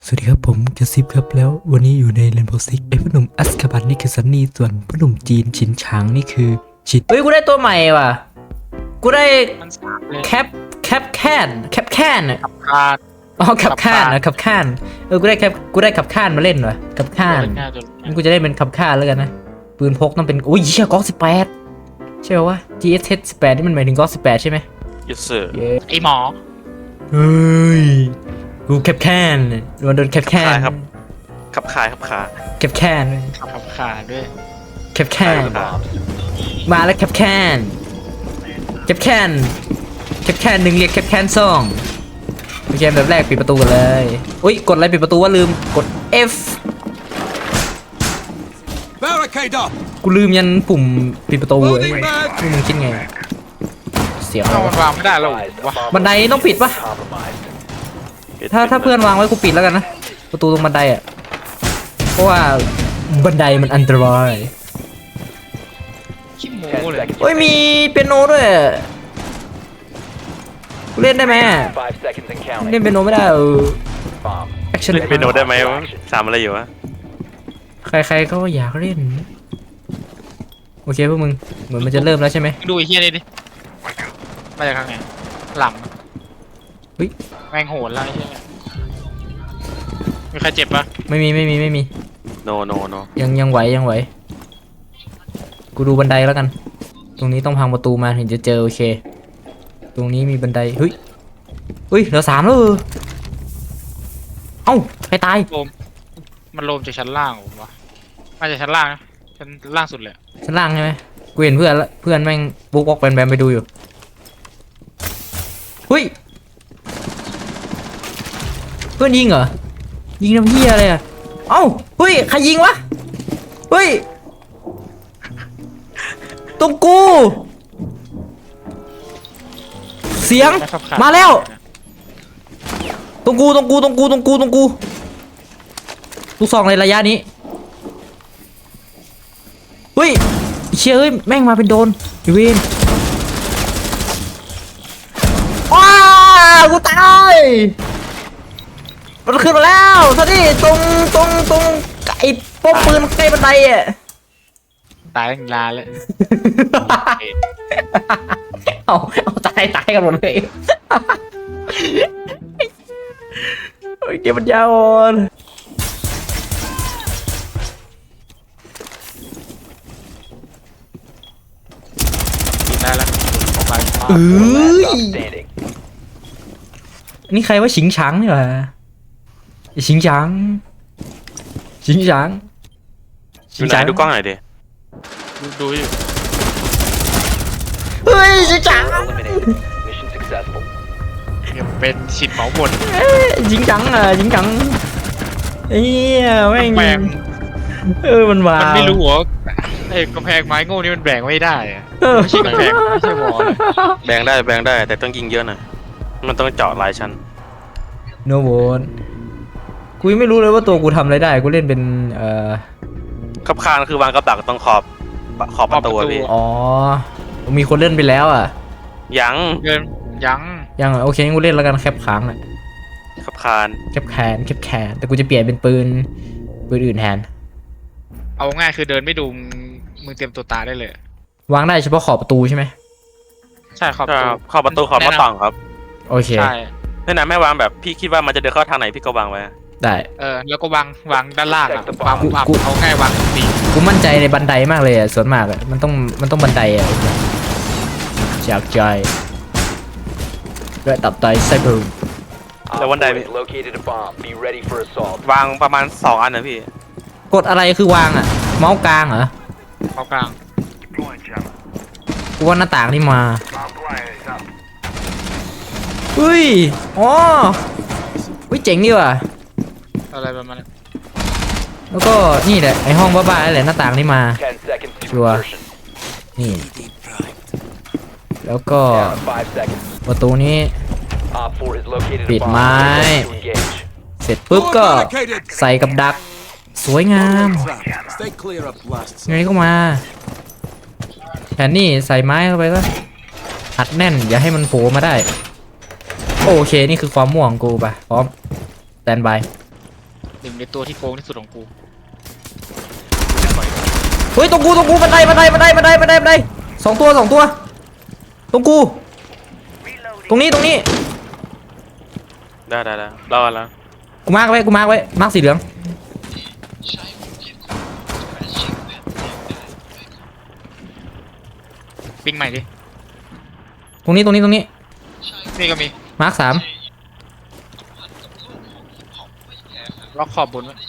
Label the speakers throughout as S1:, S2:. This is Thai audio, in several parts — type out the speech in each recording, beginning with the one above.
S1: สวัสดีครับผมกระซิบครับแล้ววันนี้อยู่ในเรนโบว์ซิกไอ้พ่อหนุ่มอัสคาบันนี่คือซันนี่ส่วนพ่อหนุ่มจีนฉินฉางนี่คือชิด
S2: เฮ้ยกูได้ตัวใหม่ว่ะกูได้
S3: มันสามเลย
S2: แคปแคนอะ
S3: ขาด
S2: อ๋อแคปแคนนะแคปแคนกูได้ขับข้านมาเล่นว่ะขับข้าน
S3: ง่ายจน
S2: งั้นกูจะได้เป็นขับข้านแล้วกันนะปืนพกต้องเป็นอุ้ยเชี่ยก๊อก18ใช่ป่าวะ GSH 18นี่มันหมายถึงก๊อก18ใช่ไหม
S4: yes sir
S2: เย้
S3: ไอหมอ
S2: เฮ้ยกูแคปแคนโดนแคปแคน
S4: ครับ ขับขายขับขา
S2: แคปแคน
S3: ขับขาดด้วย
S2: แคปแคนมาแล้วแคปแคนหนึ่งเรียกแคปแคนสองโอเคแบบแรกปิดประตูกันเลยอุ้ยกดอะไรปิดประตูว่าลืมกด F
S5: Barricade up!
S2: กูลืมยันปุ่มปิดประตูเลยนี่มึงคิดไงเสียว
S3: เอามันวางไม่ได้แล้ววะ
S2: บันไดต้องปิดปะถ้าเพื่อนวางไว้กูปิดแล้วกันนะประตูตรงบันไดอ่ะเพราะว่าบันไดมันอันตราย
S3: ขี้หมูเลย
S2: เฮ้ยมีเปียโนด้วยกูเล่นได้ไหมเล่นเปียโนไม่ได้แอคชั่น
S4: เล่นเปียโนได้ไหมวะสามอะไรอยู่วะ
S2: ใครๆก็อยากเล่นโอเคพวกมึงเหมือนมันจะเริ่มแล้วใช่ไหม
S3: ดูไอ้เฮียนี่ดิมาจากทางไหนหลัง
S2: เฮ้ย
S3: แมงโหนแล้วไอ้เฮียมีใครเจ็บปะ
S2: ไม่มี
S4: โนโนโน
S2: ยังไหวกูดูบันไดแล้วกัน ตรงนี้ต้องพังประตูมาถึงจะเจอโอเค ตรงนี้มีบันไดเฮ้ยเหลือ3แล้วเอ้าใครตาย
S3: โลมมันโลมจากชั้นล่างผมวะมาจากชั้นล่างนะชั้นล่างสุดเลย
S2: ชั้นล่างใช่ไหมกูเห็นเพื่อนละเพื่อนแม่งบุ๊กวอกแบมไปดูอยู่เฮ้ยเพื่อนยิงเหรอยิงน้ำเหี้ยอะไรอ่ะเอ้าเฮ้ยใครยิงวะเฮ้ยตรงกูเสียง
S3: ขับขด
S2: มาแล้วตรงกูลูกซองในระยะนี้เฮ้ยเชี่ยเอ้ยแม่งมาเป็นโดนอีเวนว้ากูตายมันขึ้นมาแล้วท่านี่ตรงไก่ป้อมปืนใกล้บันไดอ่ะ
S3: ตายทั้งลาเลย
S2: เอาตายกันหมดเลยโอ้ยเกมมันยาวอ่อน
S3: กินได้แล้วออกไป
S2: เอ้ยนี่ใครว่าฉิงฉังนี่หว่าไอ้ฉิงฉัง
S4: อยู่ไหนดูกล้องหน่อยดิ
S3: ดูอยู่
S2: เฮ้ยฉิงฉัง
S3: เนี่ยเป็นฉิดเหมาบน
S2: ฉิงฉังเอ้ยแม่ง
S3: แบง
S2: มันว้า
S3: มัน
S2: ว
S3: ไม่รู้เหรอไอ้กำแพงไม้โง่นี่มันแบ่งไม่ได้อะ
S2: เออ
S3: ไม่ใช่กำแพงไม่ใช่วอลเลย
S4: แบงได้แต่ต้องยิงเยอะหน่อยมันต้องเจาะหลายชั้น
S2: โนโวนกูยังไม่รู้เลยว่าตัวกูทำอะไรได้กูเล่นเป็น
S4: ขับคานคือวางกับดักตรงขอบประตูอะพี่
S2: อ๋อมีคนเล่นไปแล้วอ่ะ
S4: ยัง
S3: เกินยัง
S2: ยังเหรอโอเคงั้นกูเล่นแล้วกันแคปค้างอ่ะ
S4: ขับคาน
S2: แคปแคนแต่กูจะเปลี่ยนเป็นปืนอื่นแทน
S3: เอาง่ายคือเดินไม่ดูมึงเตรียมตัวตายได้เลย
S2: วางได้เฉพาะขอบประตูใช่ไหม
S3: ใช่ครับ
S4: ขอบประตูขอบหน้าต่างครับ
S2: โอเค
S3: ใช่
S4: ถ้าไหนไม่วางแบบพี่คิดว่ามันจะเดินเข้าทางไหนพี่ก็วางไว้
S2: ได้
S3: แล้วก็วางด้านล่างอ่ะวาง
S2: กู
S3: เอาง่ายวางตี
S2: กูมั่นใจในบันไดมากเลยอ่ะส่วนมากอ่ะมันต้องบันไดอ่ะจากใจด้วยตับไตไซเบอร์
S4: แล้ววันใดวางประมาณ2 อันนะพี่
S2: กดอะไรคือวางอ่ะเมาส์กลางเหรอ
S3: เขากลาง
S2: กูว่าหน้าต่างนี่มาเฮ้ยอ๋อเฮ้ยเจ๋งดีว่ะ
S3: อะไรประมาณนั้น
S2: แล้วก็นี่แหละไอห้องบ้าๆนั่นแหละหน้าต่างนี่มาชัวร์นี่แล้วก็ประตูนี้ปิดไม้เสร็จปุ๊บก็ใส่กับดักสวยงาม
S5: Stay clear of blasts.
S2: ไงก็มาแทนนี่ใส่ไม้เข้าไปก็อัดแน่นอย่าให้มันโผล่มาได้โอเคนี่คือความม่วงของกูป่ะพร้อมแตนบาย
S3: หนึ่งในตัวที่โกงที่สุดของกู
S2: เฮ้ยตรงกูบันไดสองตัวตรงกูตรงนี้
S4: ได้รอแล้ว
S2: กูมาร์กไว้มาร์กสีเหลือง
S3: ปิ้งใหม่ดิ
S2: ตรงนี้
S3: นี่ก็มี
S2: มาร์ก3
S3: ล็อกขอบบนไว้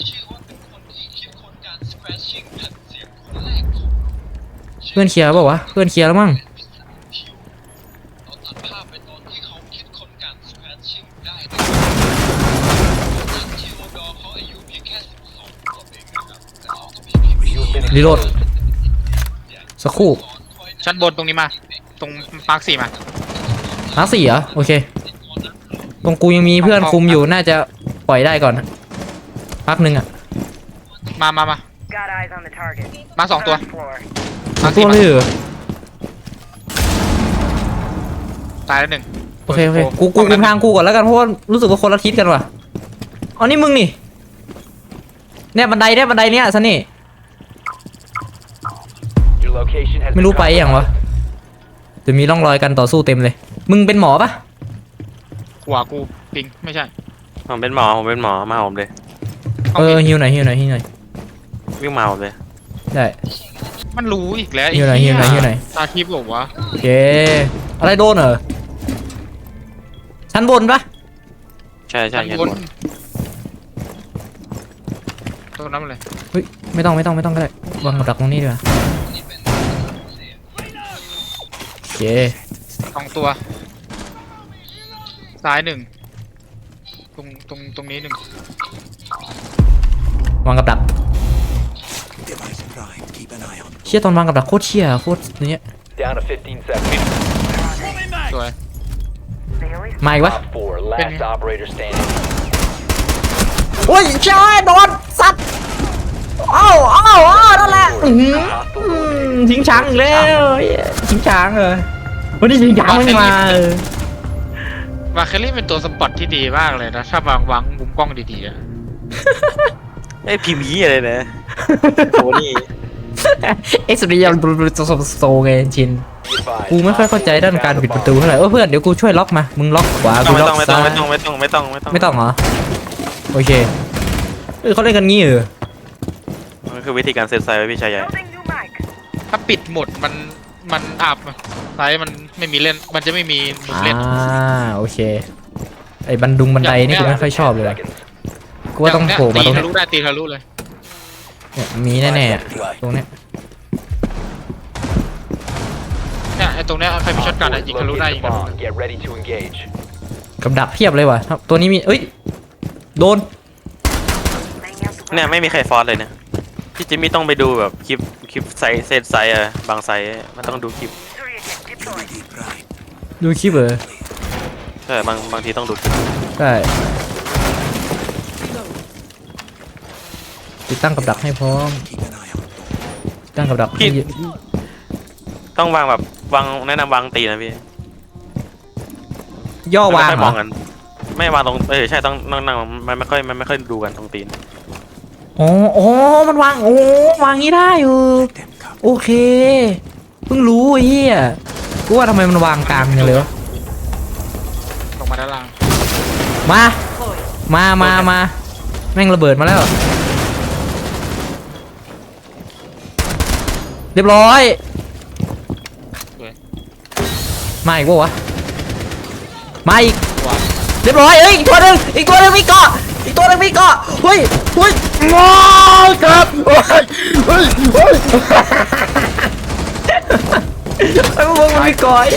S2: เพื่อนเคลียร์เปล่าวะเพื่อนเคลียร์แล้วมั้งรีโหลดสักครู่
S3: ชั้นบนตรงนี้มา ตรงมาร์ค4มา
S2: มาร์ค4เหรอโอเคตรงกูยังมีเพื่อนคุมอยู่น่าจะปล่อยได้ก่อนพักหนึ่งอ่ะ
S3: มา
S6: Got eyes on the target.
S3: มา2 ตัว
S6: Third floor.
S2: สองตัวเลยเหรอ
S3: ตายแล้ว1
S2: โอเคกูคุมทางกูก่อนแล้วกันเพราะว่ารู้สึกว่าคนละทิศกันว่ะอ๋อนี่มึงนี่เนี่ยบันไดเนี่ยซันนี่ไม่รู้ไปอย่างวะจะมีร่องรอยการต่อสู้เต็มเลยมึงเป็นหมอปะ
S3: หัวกูปิงไม่ใช่
S4: ผมเป็นหมอมาผมเลย
S2: ฮิวหน่อย
S4: วิ่งมาผมเลย
S2: ได้
S3: มันรู้อีกแล้ว
S2: หิวหน่อย
S3: ไอ้
S2: หิวหน่อยหิวหน่อย
S3: ตาทิพย์บอกว่า
S2: โอเคอะไรโดนเหรอชั้นบนปะ
S4: ใช่
S3: ชั้น
S4: เห็น
S3: บน
S4: หมด
S3: ตัวนั้นเลย
S2: เฮ้ยไม่ต้องก็ได้วางกับดักตรงนี้ดีกว่าโอเค
S3: 2 ตัว ซ้าย1ตรงนี้1
S2: วางกับดัก
S5: Device prime. Keep an eye on.
S2: เชี่ยตอนวางกับดักโคตรเชี่ยโคตรเนี้ย
S7: Down to 15 seconds.
S3: สวย
S6: They always
S2: มาอีกวะ
S7: Top 4, last operator standing.
S2: โอ้ยใช่โดนสัตว์อ้าวนั่นแหละทิ้งช้างอีกแล้วทิ้งช้างเหรอวันนี้ทิ้งช้างไม่มา
S3: วาเคลลี่เป็นตัวสปอตที่ดีมากเลยนะถ้าวางมุมกล้องดีๆอะ
S4: ไอ้พิมพ์ยี่อะไรนะโอ้นี่
S2: เอ็กซ์เรียลโซไงชินกูไม่ค่อยเข้าใจด้านการปิดประตูเท่าไหร่เพื่อนเดี๋ยวกูช่วยล็อกมามึงล็อกขวากู
S4: ไม่
S2: ล็
S4: ต้
S2: อ
S4: อง
S2: ก
S4: ไม่ต้อ
S2: ซ้าง ย
S4: ไม่ต้อง
S2: ไม่ต้องเหรอโอเคเขาเล่นกันงี้เหรอ
S4: มันคือวิธีการเซตไซส์ไว้พี่ชายใหญ่
S6: building new mic.
S3: ถ้าปิดหมดมันอับไซส์มันไม่มีเล่นมันจะไม่มีมุมเล่น
S2: โอเคไอ้บันไดนี่กูไม่ค่อยชอบเลยว่ะกูว่าต้องโผล่มาตรง
S3: ตี
S2: เนี้
S3: ทะ
S2: ย
S3: ลุได้ตีทะลุเลย
S2: เนี่ยมีแน่ๆอะตรงเนี้ย
S3: เนี่ยไอ้ตรงเนี้ยใครมีช็อตกันอะยิงทะลุได้ยิงทะลุ
S7: Bomb. Get ready to engage.
S2: กับดักเพียบเลยว่ะตัวนี้มีเอ้ยโดน
S6: Laying out the
S4: เนี่ยไม่มีใครฟอสเลยนะพี่จิมมี่ต้องไปดูแบบคลิปไซส์เซตไซส์อะบางไซส์มันต้องดูคลิป
S6: Surya kit deployed.
S5: UAV prime.
S2: ดูคลิปเหรอ
S4: ใช่บางทีต้องดูคลิป
S2: ได้ติดตั้งกับดักให้พร้อม
S5: Keep an eye on.
S2: ติดตั้งกับดักให้
S4: ต้องวางแบบแนะนำวางตีนะพี่
S2: ย่อวาง
S4: ไม่
S2: เหร
S4: มอ
S2: อง
S4: กันไม่วางตรงใช่ต้องนั่งมันไม่ค่อยดูกันตรงตีน
S2: อ๋อมันวางวางงี้ได้
S5: Them come.
S2: โอเคเพิ่งรู้ไอ้เหี้ยกูว่าทำไมมันวางกลางอย่างเลยวะ
S3: ลงมาด้านล่าง
S2: มาแม่งระเบิดมาแล้วเรียบร้อยมาอีกปะวะมาอีก
S3: วาง
S2: เรียบร้อยอีกตัวหนึ่งมีเกาะเฮ้ยมอครับเฮ้ยไอ้พวกมันมีเกาะ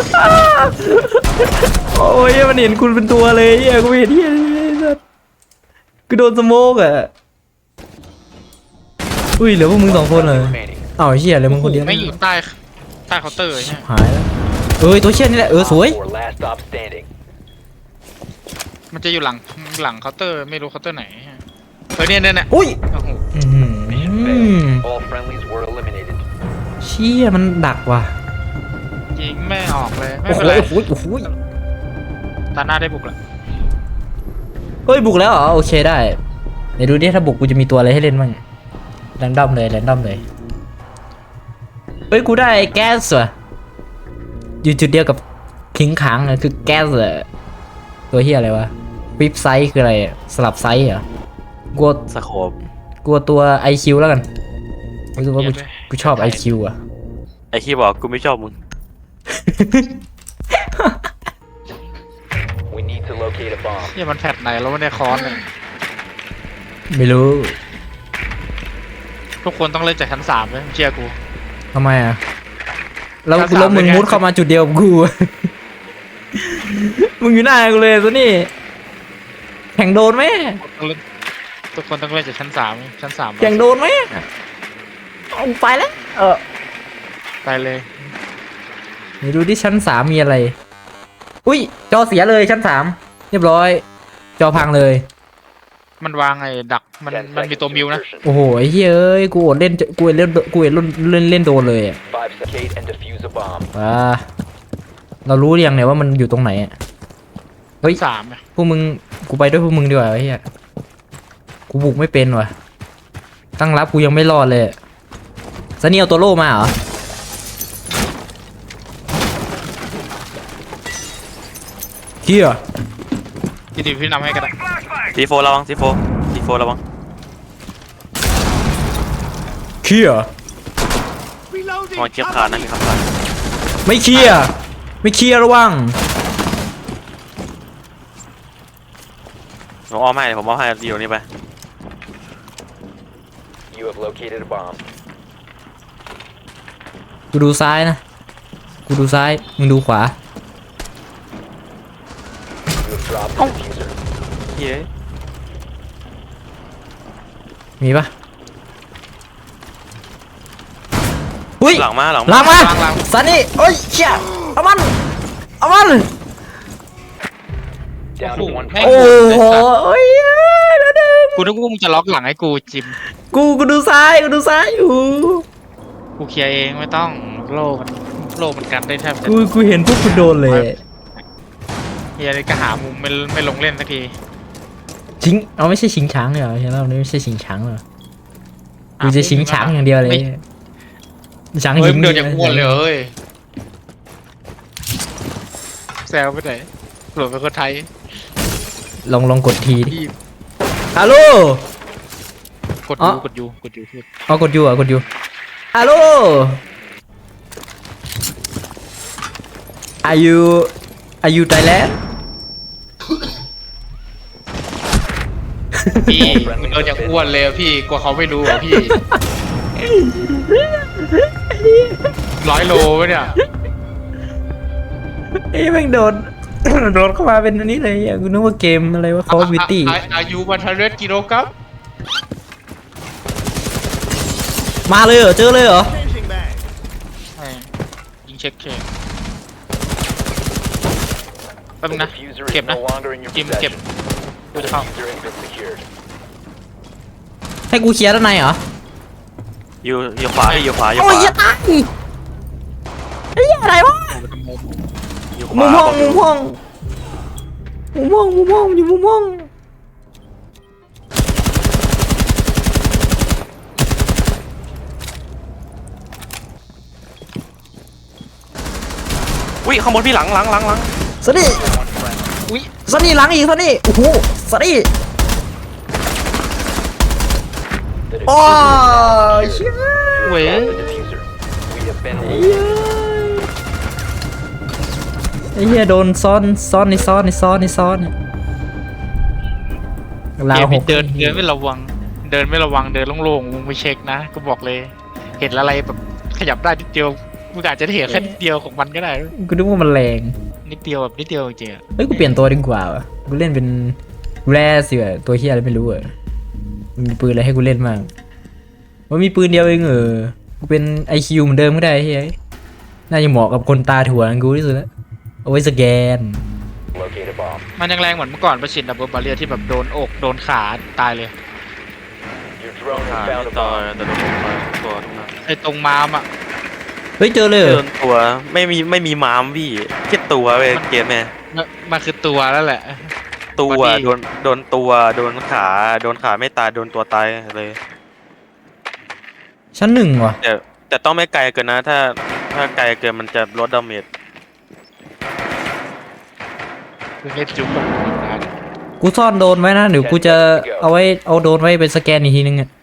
S2: โอ้ยมันเห็นคุณเป็นตัวเลยกูเห็นที่กูโดนสโมกอ่ะอุ้ยเหลือพวกมึง2 คนเลย
S7: Remaining.
S2: อ้าวเหี้ยอะไรมึงคนเดียว
S3: ไม่อยู่ใต้เคาน์เตอร์ใช่ไหม
S2: หายแล้วตัวเชี่ยนี่แหละสวย
S7: 4, last stop standing.
S3: มันจะอยู่หลังเคาน์เตอร์ไม่รู้เคาน์เตอร์ไหนเนี่ย
S2: อุ้ย
S3: โอ้โห
S7: Mission failed. All friendlies were eliminated.
S2: เชี่ยมันดักว่ะ
S3: ยิงไม่ออกเลยไม่
S2: โอ้โห
S3: เป็นไร
S2: โอ้โห
S3: ตาหน้าได้บุกแล้ว
S2: เฮ้ยบุกแล้วเหรอโอเคได้ไหนดูดิถ้าบุกกูจะมีตัวอะไรให้เล่นบ้างแรนดอมเลยเฮ้ยกูได้แก๊สว่ะอยู่จุดเดียวกับคิงขังเลยคือแก๊สเลยตัวเฮียอะไรวะวิปไซส์คืออะไรอะสลับไซส์เหรอกลัว
S4: สโคป
S2: กลัวตัว IQ แล้วกันรู้สึกว่ากูชอบ IQ อ่ะ
S4: ไอ้ขี้บอกกูไม่ชอบมึง
S7: We need to locate a bomb.
S3: เนี่ยมันแพทไหนแล้วไม่ได้คอนเลย
S2: ไม่รู้
S3: ทุกคนต้องเล่นจากชั้น3เลยเชื่อกู
S2: ทำไมอ่ะแล้ว
S3: ชั้นสาม
S2: แล้วมึง
S3: เลยไง
S2: มุดเข้ามาจุดเดียวกับกู มึงอยู่หน้ากูเลยซะนี่แข่งโดนไหม
S3: ทุกคนต้องเล่นจากชั้น3ชั้น3
S2: แข่งโดนไหมเอาไปแล้ว
S3: ไปเลย
S2: ไหนดูที่ชั้น3มีอะไร อุ้ยจอเสียเลยชั้น3เรียบร้อย จอพังเลย
S3: มันวางไอ้ดักมัน
S7: 10
S3: มันมี
S7: seconds
S3: ตัว
S7: to
S3: มิวนะ
S7: insertion.
S2: โอ้โหไอ้เฮ้ยเอ้ยกูอดเล่นเล่นโดนเลยอ่ะ
S7: 5 seconds. Locate and defuse a bomb.
S2: เรารู้หรือยังเนี่ยว่ามันอยู่ตรงไหนอ่ะเฮ้ย
S3: 3อ่ะ
S2: พวกมึงกูไปด้วยพวกมึงดีกว่าไอ้เหี้ยกูบุกไม่เป็นว่ะตั้งรับกูยังไม่รอดเลยซันนี่เอาตัวโล่มาเหรอเฮีย
S3: พี่นำให้ก็ได้
S4: ซีโฟระวังซีโฟระวัง
S2: เฮีย
S4: ระวังเกียบขาดนะมีคำขาด
S2: ไม่เคลียร์ไม่เคลียร์ระวัง
S4: ผมอ้อมให้ผมอ้อมให้อยู่นี่ไป
S7: You have located a bomb.
S2: กูดูซ้ายนะกูดูซ้ายมึงดูขวา
S7: You have dropped the diffuser.
S4: เย้ย
S2: มีปะอุ้ย
S4: หลังมา
S2: หลังมาซันนี่โอ้ยเชี่ยเอามัน
S7: Down to one
S3: แม่ง
S2: โอ้
S3: ไอ้
S2: โห
S3: สัตว์
S2: โอ้ยแล้วดึง
S3: กูนึกว่ามึงจะล็อกหลังให้กูจิม
S2: กูดูซ้ายอยู่
S3: กูเคลียร์เองไม่ต้องโล่มันกันได้แทบจะ
S2: กูเห็นพวกกูโดนเลย
S3: เฮียเลยก็หามุมไม่ลงเล่นสักที
S2: ชิงเอาไม่ใช่ชิงช้างเหรอใช่แล้วนี่ไม่ใช่ชิงช้างเหรอกูจะชิงช้างอย่างเดียวเลยช้าง
S3: เฮ้ย
S2: หิ
S3: มึ
S2: ง
S3: งเดินอย่างอ้วนเลยเฮ้ยแซวไปไหนหลวงเป็นคนไทย
S2: ลองกดทีดิ
S3: พี่
S2: ฮัลโหล
S3: กด
S2: อ๋อ
S3: ยูพูด
S2: เอากดอยู่ฮัลโหล Are you Thailand
S3: พี่มึงเดินอย่างอ้วนเลยอะพี่กลัวเขาไม่รู้อ่ะพี่100 โลวะเนี่ย
S2: เอ้ยแม่งโดน โดนเข้ามาเป็นอันนี้เลยอ่ะกูนึกว่าเกมอะไรวะ Call of Duty
S3: อายุ100 กิโลกรัม
S2: มาเลยเหรอเจอเลยเหรอ
S3: ยิงเช็คแป๊บนึ
S7: The
S3: งนะ
S7: diffuser
S3: เก็บ
S7: is
S3: นะ
S7: no longer in your
S3: จิมเก็บ
S7: possession.
S3: กู
S7: The
S3: จะเข้า
S7: diffuser has been secured.
S2: ให้กูเคลียร์ด้านในเหรอ
S4: อยู่ขวาพี่อยู่ขวา
S2: โอ้ยอย่าตายไอ้เหี้ยอะไรวะ
S4: อยู่ข
S2: มุ
S4: วาม
S2: ห้องอยู่มุมห้อง
S4: อุ้ยข้างบนพี่หลัง
S2: สวัสดี
S3: อุ้ย
S2: สวัสดีหลังอีกสวัสดีโอ้โหสวัสดี
S7: The
S2: โอ้
S7: diffuser is
S2: ย
S7: now
S2: เชี่ย
S7: secured.
S3: เว้ย
S7: Drop the diffuser. We have been
S2: ไอ้
S7: eliminated.
S2: เหี้ยโดนซ้อนลา
S3: เก
S2: ว
S3: ม
S2: ห
S3: นี้
S2: ก
S3: เดินไม่ระวัง เดินโล่งๆมึงไปเช็คนะก็บอกเลย เห็นอะไรแบบขยับได้นิดเดียวมึงอาจจะได้เห็นแค่นิดเดียวของมันก็ได้
S2: กูนึกว่ามันแรง
S3: นิดเดียวจริงๆอะ
S2: เฮ้ยกูเปลี่ยนตัวดีกว่าวะกูเล่นเป็นแร่สิวะตัวเฮียอะไรไม่รู้อะมันมีปืนอะไรให้กูเล่นบ้างว่ามีปืนเดียวเองกูเป็น IQ เหมือนเดิมก็ได้เฮ้ยน่าจะเหมาะกับคนตาถั่วนั่นกูที่สุดแล้วเอาไว้สแกน
S7: Locate a bomb.
S3: มันยังแรงเหมือนเมื่อก่อนประชินดับเบิลบาเรียที่แบบโดนอกโดนขาตายเลย
S7: Your drone
S4: อ่า
S7: has found a
S4: ต่อ
S7: bomb.
S4: แต่ตัวผมมาตัวทุกนั้น
S3: ไอ้ตรงมามอ่ะ
S2: เฮ้ยเจอเลยเหร
S4: เดิ
S2: อน
S4: ตัวไม่มีม้ามพี่แค่ตัวเว้ยเกมแม่
S3: มันคือตัวแล้วแหละ
S4: ตัว
S3: บอดี้
S4: โดนตัวโดนขาไม่ตายโดนตัวตายเลย
S2: ชั้นหนึ่งว่ะ
S4: แต่ต้องไม่ไกลเกินนะ ถ้าไกลเกินมันจะลดดาเมจ
S3: คือเล่นจุ๊บแบบนั้น
S2: กูซ่อนโดรนไว้นะ เดี๋ยวกูจะเอาโดรนไว้เป็นสแกนอีกทีนึงอ่ะ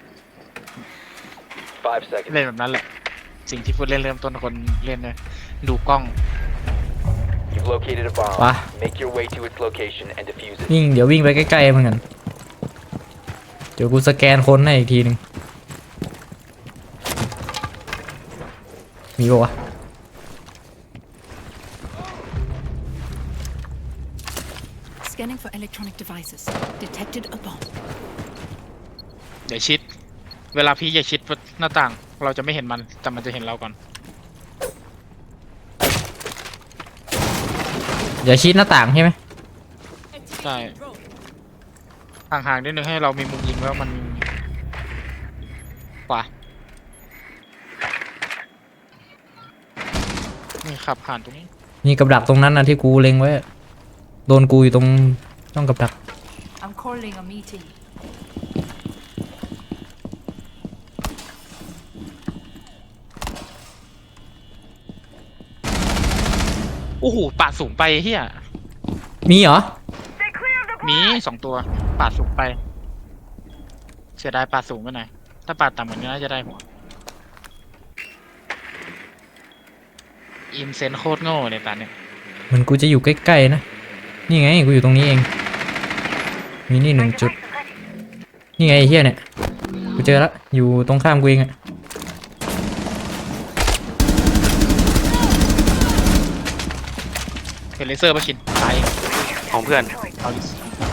S7: 5 seconds.
S3: เล่นแบบนั้นแหละ สิ่งที่พูดเล่นเริ่มต้นคนเล่นเลยดูกล้อง
S7: You've located a bomb.
S2: Wow.
S7: Make your way to its location and defuse it.
S2: เดี๋ยววิ่งไปใกล้ๆเหมือนกันเดี๋ยวกูสแกนคนให้อีกทีนึงมีปะวะ
S8: Scanning for electronic devices. Detected a bomb.
S3: เดี๋ยวชิด เวลาพี่อย่าชิดหน้าต่าง เราจะไม่เห็นมัน แต่มันจะเห็นเราก่อน
S2: อย่าชิดหน้าต่างใช่ไหม
S3: ใช่ห่างๆนิดนึงให้เรามีมุมยิงแล้วมันขวานี่ขับผ่านตรงนี้
S2: มีกับดักตรงนั้นนะที่กูเล็งไว้อะโดนกูอยู่ตรงช่องกับดัก
S8: I'm calling a meeting.
S3: โอ้โหปาดสูงไปเฮีย
S2: มีเหรอ
S6: Stay clear of the
S3: มี2 ตัวปาดสูงไป เสียดายปาดสูงไปหน่อยถ้าปาดต่ำกว่านี้น่าจะได้หัวอินเซนโคตรโง่เลยตาเนี่ย
S2: เหมือนกูจะอยู่ใกล้ๆนะ นี่ไงกูอยู่ตรงนี้เอง มีนี่1 จุด นี่ไงไอ้เฮียเนี่ย กูเจอแล้วอยู่ตรงข้ามกูเองอะ
S3: เห็นเลเซอร์ปะชินตาย
S4: ของเพื่อน
S3: เอาดิ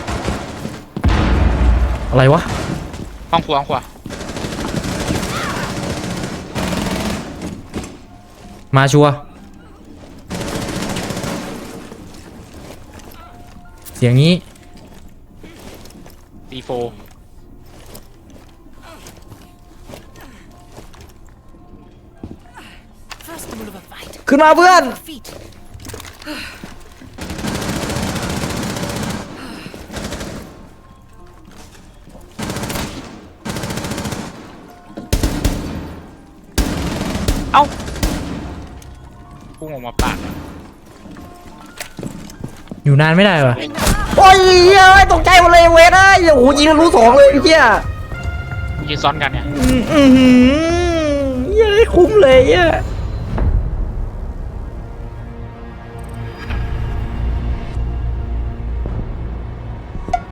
S2: อะไรวะ
S3: ห้องครัวห้องครัว
S2: มาชัวร์เสียงนี้
S3: C4
S8: First rule of a fight.
S2: ขึ้นมาเพื่อน
S8: Feet.
S3: พุ่งออกมาปาด
S2: อยู่นานไม่ได้วะโอ้ยเหี้ยตกใจหมดเลยเวทอ่ะโอ้โหยิงทะลุ2เลยไอ้เหี้ย
S3: ยืนซ้อนกันเนี่ย
S2: เหี้ยคุ้มเลยเหี้ย